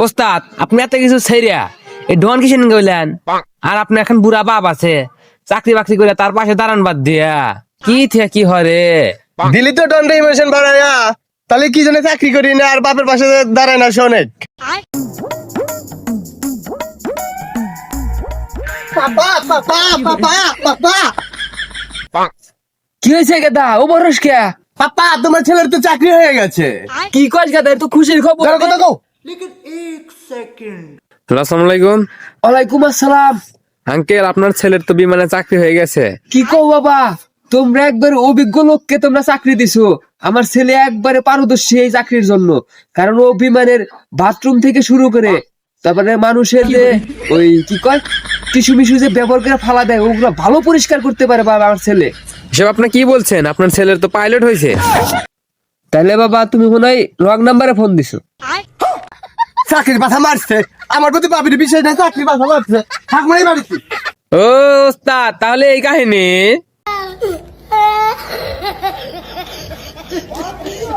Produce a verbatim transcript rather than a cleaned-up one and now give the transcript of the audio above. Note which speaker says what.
Speaker 1: ওস্তাদ আপনি এত কিছু ছেড়িয়া এই ডন কিসেন গইলেন? আর আপনি এখন বুড়া বাপ আছে, চাকরি বাকরি করে তার পাশে দাঁড়ান বাদ দিয়া কি থিয়া কি হরে?
Speaker 2: দিলি তো দন্ড ইমোশন বাড়ায়া, তাহলে কি জন্য চাকরি করি না আর বাপের পাশে দাঁড়ায় না শোনেক? পাপা পাপা পাপা পাপা
Speaker 1: কি হয়েছে গেদা? ও বরস কে?
Speaker 2: পাপা তোমার ছেলের তো চাকরি হয়ে গেছে।
Speaker 1: কি কস গেদা? তো খুশির খবর।
Speaker 2: ধরো কথা কও।
Speaker 1: আসসালামু আলাইকুম।
Speaker 3: ওয়ালাইকুম আসসালাম।
Speaker 1: আঙ্কেল আপনার ছেলের তো বিমানে চাকরি হয়ে গেছে।
Speaker 3: কি কও বাবা, তোমরা একবারে অভিজ্ঞ লোককে তোমরা চাকরি দিছো। আমার ছেলে একবারে পারদর্শী এই চাকরির জন্য, কারণ ও বিমানের বাথরুম থেকে শুরু করে তারপরে মানুষের যে ওই কি কয় টিস্যু মিশু যে ব্যবহার করে ফালা দেয় ওগুলো ভালো পরিষ্কার করতে পারে বাবা আমার ছেলে।
Speaker 1: এসব আপনি কি বলছেন? আপনার ছেলের তো পাইলট হয়েছে।
Speaker 3: তাহলে বাবা তুমি মনে হয় রং নাম্বারে ফোন দিছো।
Speaker 2: চাকরির মাথা মারছে আমার প্রতি বাবির বিষয় না, চাকরির মাথা মারছে থাক মারি বাড়িতে।
Speaker 1: ও ওস্তাদ, তাহলে এই কাহিনী।